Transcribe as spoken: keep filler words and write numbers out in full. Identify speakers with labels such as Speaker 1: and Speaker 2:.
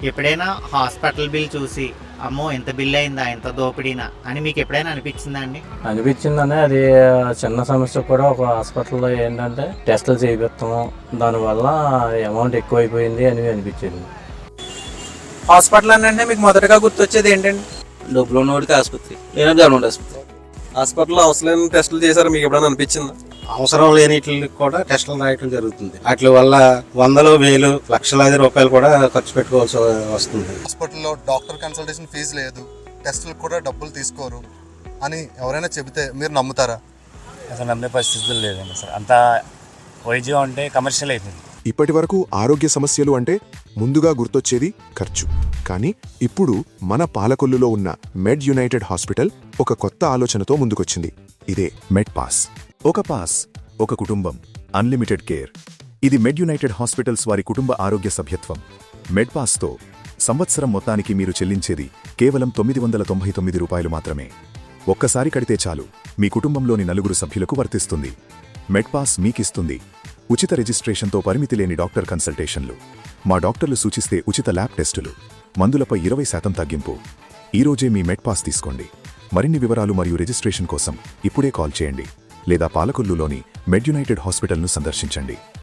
Speaker 1: ఎప్పుడైనా hospital bill చూసి అమ్మో ఇంత బిల్ అయిందా, ఇంత దోపిడీనా అని మీకు ఎప్పుడైనా అనిపించిందా అండి?
Speaker 2: అనిపించిందని అది చిన్న సమస్య కూడా ఒక హాస్పిటల్లో ఏంటంటే టెస్టులు చేయిస్తాము, దానివల్ల అమౌంట్ ఎక్కువైపోయింది అని అనిపించింది.
Speaker 3: హాస్పిటల్ అని అంటే మీకు మొదటగా గుర్తొచ్చేది ఏంటండి?
Speaker 4: డబ్బులు ఉన్నవాడికి ఆసుపత్రి, లేదా గవర్నమెంట్ ఆసుపత్రి.
Speaker 5: హాస్పిటల్లో అవసరం టెస్టులు చేశారు, మీకు ఎప్పుడైనా అనిపించిందా?
Speaker 6: అవసరం లేనిటికి కూడా టెస్టులు రాయటం జరుగుతుంది. వాటి వల్ల వందలు వేలు లక్షలాది రూపాయలు కూడా ఖర్చు పెట్టుకోవాల్సి వస్తుంది.
Speaker 7: హాస్పిటల్లో డాక్టర్ కన్సల్టేషన్ ఫీజు లేదు, టెస్టులకు కూడా డబ్బులు తీసుకోరు అని ఎవరైనా చెబితే మీరు నమ్ముతారా?
Speaker 8: అసలు నమ్మే పరిస్థితులు లేదండి. అసలు అంతా వైద్యం అంటే కమర్షియల్ అయిపోయింది.
Speaker 9: ఇప్పటి వరకు ఆరోగ్య సమస్యలు అంటే ముందుగా గుర్తొచ్చేది ఖర్చు. కానీ ఇప్పుడు మన పాలకొల్లులో ఉన్న మెడ్ యునైటెడ్ హాస్పిటల్ ఒక కొత్త ఆలోచనతో ముందుకొచ్చింది. ఇదే మెడ్ పాస్.
Speaker 10: ఒక పాస్, ఒక కుటుంబం, అన్లిమిటెడ్ కేర్. ఇది మెడ్ యునైటెడ్ హాస్పిటల్స్ వారి కుటుంబ ఆరోగ్య సభ్యత్వం. మెడ్ పాస్తో సంవత్సరం మొత్తానికి మీరు చెల్లించేది కేవలం తొమ్మిది వందల తొంభై తొమ్మిది రూపాయలు మాత్రమే. ఒక్కసారి కడితే చాలు, మీ కుటుంబంలోని నలుగురు సభ్యులకు వర్తిస్తుంది. మెడ్ పాస్ మీకిస్తుంది ఉచిత రిజిస్ట్రేషన్తో పరిమితి లేని డాక్టర్ కన్సల్టేషన్లు, మా డాక్టర్లు సూచిస్తే ఉచిత ల్యాబ్ టెస్టులు, మందులపై ఇరవై శాతం తగ్గింపు. ఈరోజే మీ మెడ్ పాస్ తీసుకోండి. మరిన్ని వివరాలు మరియు రిజిస్ట్రేషన్ కోసం ఇప్పుడే కాల్ చేయండి లేదా పాలకొల్లులోని మెడ్ యునైటెడ్ హాస్పిటల్ను సందర్శించండి.